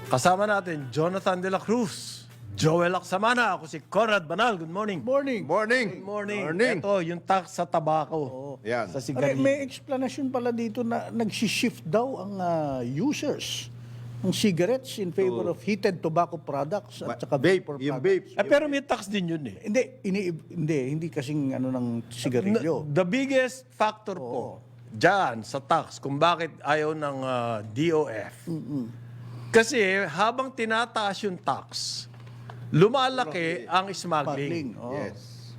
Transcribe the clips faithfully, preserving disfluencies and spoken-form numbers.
Kasama natin, Jonathan De La Cruz, Joel Aksamana, ako si Conrad Banal. Good morning. Morning. Morning. Good morning. Morning. Ito, yung tax sa tabako. Yan. Sa Pare, sigarilyo. may explanation pala dito na nag-shift daw ang ah, users ng cigarettes in favor of heated tobacco products at saka Vape, vapor yung products. vape. Eh, pero may tax din yun eh. Hindi, ini, hindi, hindi kasing ano ng sigarilyo. The biggest factor po dyan sa tax kung bakit ayaw ng ah, D O F. Kasi habang tinataas yung tax, lumalaki ang Smuggling. smuggling. Oh. Yes.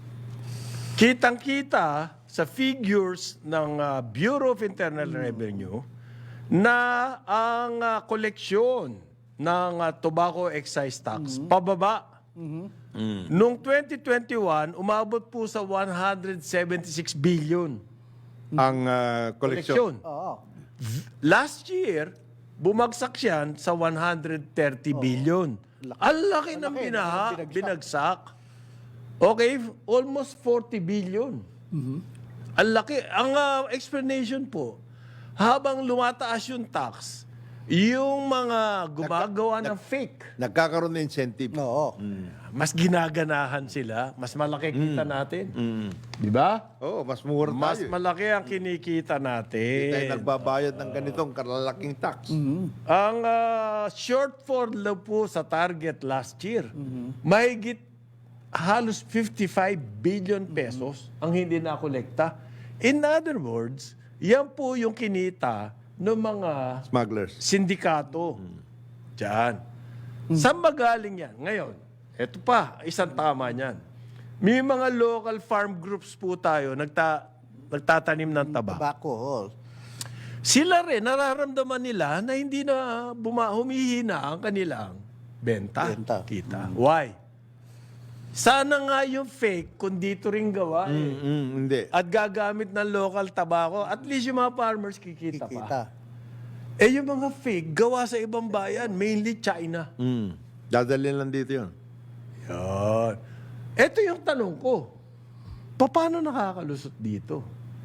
Kitang-kita sa figures ng ah, Bureau of Internal Revenue na ang ah, koleksyon ng ah, tobacco excise tax pababa. Noong twenty twenty-one, umabot po sa one hundred seventy-six billion Ang uh, koleksyon. koleksyon. Oo. Last year, bumagsak yan sa one hundred thirty billion. Ang laki ng Malaki, binaha, binagsak. binagsak. Okay, almost forty billion. Ang laki. Ang ah, explanation po, habang lumataas yung tax, yung mga gumagawa ng fake, Nagkakaroon ng incentive. Oo. mas ginaganahan sila, mas malaki kita natin. Di ba? Oo, mas mura Mas tayo. eh. malaki ang kinikita Hindi tayo natin. nagbabayad ng ganitong kalalaking tax. Ang ah, shortfall daw po sa target last year, mahigit halos fifty-five billion pesos ang hindi nakolekta. In other words, yan po yung kinita ng mga Smugglers. sindikato. Diyan. Saan magaling yan? Ngayon, eto pa, isang tama niyan. May mga local farm groups po tayo nagta, nagtatanim ng tabak. Tobacco. oh. Sila rin, nararamdaman nila na hindi na buma, humihina ang kanilang benta. Benta. Kita. Why? Sana nga yung fake kung dito rin gawa eh. Mm, mm, hindi. At gagamit ng local tabako, at least yung mga farmers kikita, pa. Kita. Eh yung mga fake, gawa sa ibang bayan, mainly China. Mm. Dadalhin lang dito yun. Yan. Ito yung tanong ko. Paano nakakalusot dito?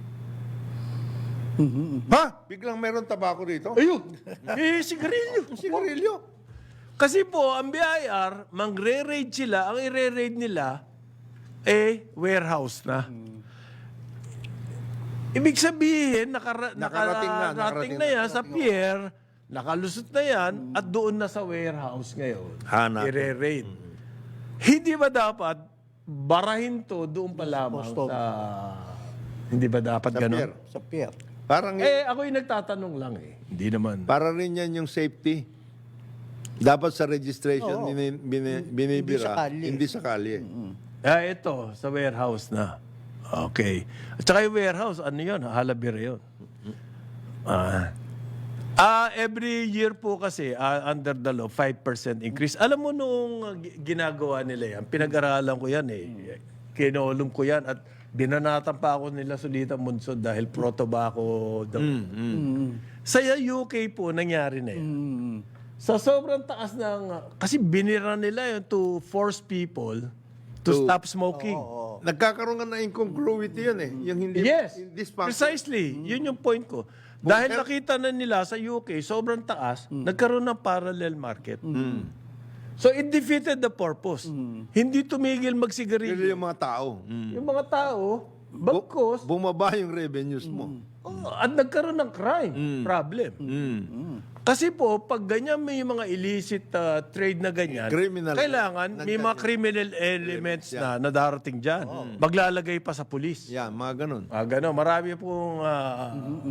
Ha? Biglang meron tabako dito? Ayun! Eh, sigarilyo. Sigarilyo. Kasi po, ang B I R, mangre-raid sila, ang ire-raid nila, eh, warehouse na. Ibig sabihin, nakara- Nakarating na, nakarating nakarating na na. yan sa pier, nakalusot na yan, at doon na sa warehouse ngayon. Hanapin. Ire-raid. Hindi ba dapat barahin to doon pa lamang Posto. sa... Hindi ba dapat Sa ganun? pier. Sa pier. Parang, Eh, ako yung nagtatanong lang eh. Hindi naman. para rin yan yung safety. Dapat sa registration, Oo. bini, bini, binibira. Hindi sa kalye. Hindi sa kalye. Ah, ito, sa warehouse na. Okay. At saka yung warehouse, ano yun? Halabira yun. Ah, ah, every year po kasi, ah, under the law, five percent increase. Alam mo nung uh, gi- ginagawa nila yan, pinag-aralan ko yan eh. Kinolong ko yan at binanatan pa ako nila Sulitan Munsod dahil pro-tobacco. daw. Sa U K po, nangyari na yan. Mm. Sa sobrang taas ng... Kasi binira nila yun to force people to, To- stop smoking. Nagkakaroon nga na incongruity yun eh. Yung hindi, Yes, hindi sponsor. precisely. Yun yung point ko. Dahil nakita na nila sa U K, sobrang taas, nagkaroon ng parallel market. So it defeated the purpose. Hindi tumigil Pero magsigarilyo. yung mga tao. Mm. Yung mga tao, bagkos, Bumaba yung revenues mo. oh, at nagkaroon ng crime problem. Mm. Kasi po, pag ganyan may mga illicit uh, trade na ganyan, Criminal. kailangan may mga criminal elements na, na darating dyan. Maglalagay pa sa pulis. Yan, mga ganun. Ah, gano'n. Marami pong ah,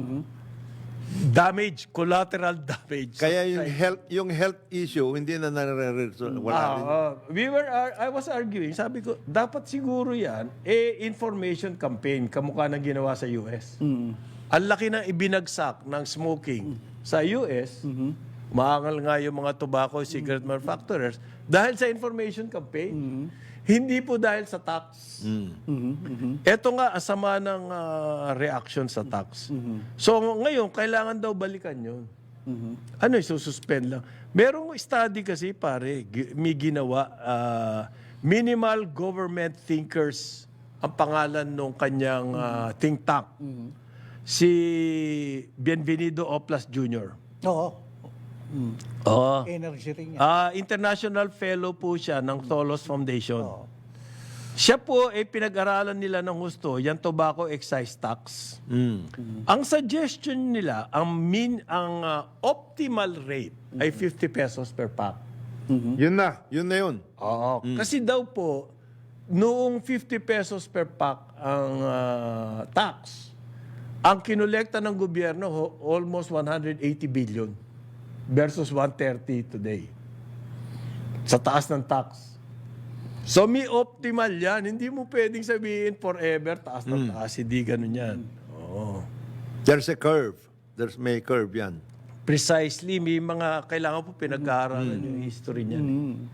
damage, collateral damage. Kaya yung health yung health issue hindi na nare-resolve. Wala Ah, rin. ah, we were, ar- I was arguing, sabi ko, dapat siguro yan, eh, information campaign, kamukha ng ginawa sa U S. Ang laki na ibinagsak ng smoking sa U S, maangal nga yung mga tobacco, cigarette manufacturers, dahil sa information campaign. Hindi po dahil sa tax. Ito nga, asama ng ah, reaction sa tax. So ngayon, kailangan daw balikan yun. Ano, isususpend lang. Merong study kasi, pare, gi- may ginawa, ah, Minimal Government Thinkers, ang pangalan ng kanyang ah, think tank. Si Bienvenido Oplas Junior Oo. Oo. Energy ring yan. Ah, international fellow po siya ng Tholos Foundation. Siya po ay pinag-aralan nila ng gusto, yung tobacco excise tax. Mm. Ang suggestion nila, ang min ang ah, optimal rate ay fifty pesos per pack. Yun na, yun na yun. Oo. Kasi daw po, noong fifty pesos per pack ang ah, tax, ang kinolekta ng gobyerno ho- almost one hundred eighty billion versus one hundred thirty today. Sa taas ng tax. So may optimal yan. Hindi mo pwedeng sabihin forever taas ng taas. Hindi ganun yan. Oo. There's a curve. There's may curve yan. Precisely, may mga kailangan po pinag-aaralan yung history niyan.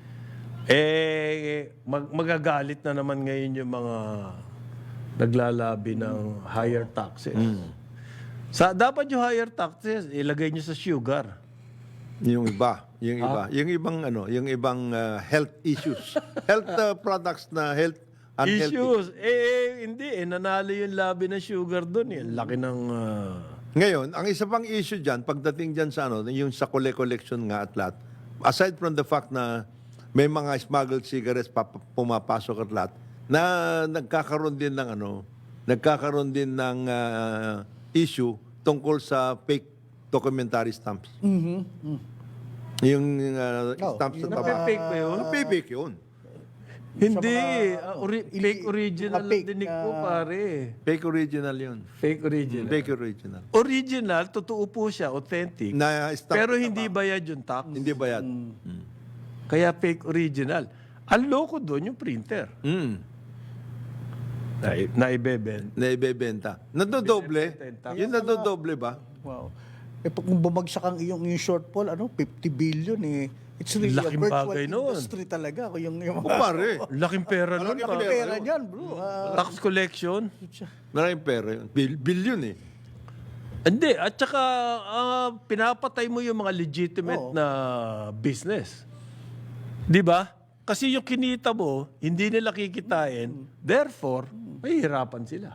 Eh, mag- magagalit na naman ngayon yung mga naglalabi ng higher taxes. Sa, dapat yung higher taxes, ilagay nyo sa sugar. Yung iba, yung iba, yung ibang ano, yung ibang uh, health issues. health uh, products na health unhealthy. Issues. Eh, eh, hindi. Eh, nanalo yung labi ng sugar doon. Eh. Laki ng... ah, Ngayon, ang isa pang issue diyan pagdating diyan sa ano, yung sa colle collection nga at lahat. Aside from the fact na may mga smuggled cigarettes pa, pumapasok at lahat, na nagkakaroon din ng ano, nagkakaroon din ng ah, issue tungkol sa fake documentary stamps. Yung uh, Oh, stamps yun na ang taba. Nape-fake ba yun? Nape-fake yun. Hindi. mga- ah, ori- ili- fake original mga ang fake dinig na- ko, pare. Fake original yun. Fake original. Fake original. Original, totoo po siya, authentic. Na stamp Pero na hindi taba. bayad yung tax. Hindi bayad. Mm. Kaya fake original. Ang loko doon yung printer Mm. na, na ibeben. Na ibebenta. Nadodoble. Binibenta yung tax. Yun nadodoble ba? Wow. Eh, pag kung bumagsak ang iyong yung shortfall, ano, fifty billion eh. It's really Laking a virtual bagay nun. industry talaga. Kung yung, yung O pare, Laking pera nun. Malaking pa. pera. pera niyan, bro. Ah, Tax collection. maraming pera yun. Bil- billion eh. Hindi. At saka, ah, pinapatay mo yung mga legitimate Oo. na business. Di ba? Kasi yung kinita mo, hindi nila kikitain. Therefore, mahihirapan sila.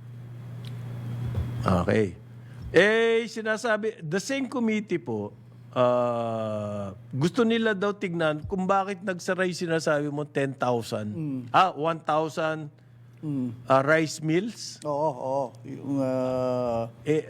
Okay. Eh, sinasabi, the same committee po, ah, gusto nila daw tignan kung bakit nagsaray sinasabi mo ten thousand. Ah, one thousand ah, rice mills. oo, oo. Yung, ah, Eh,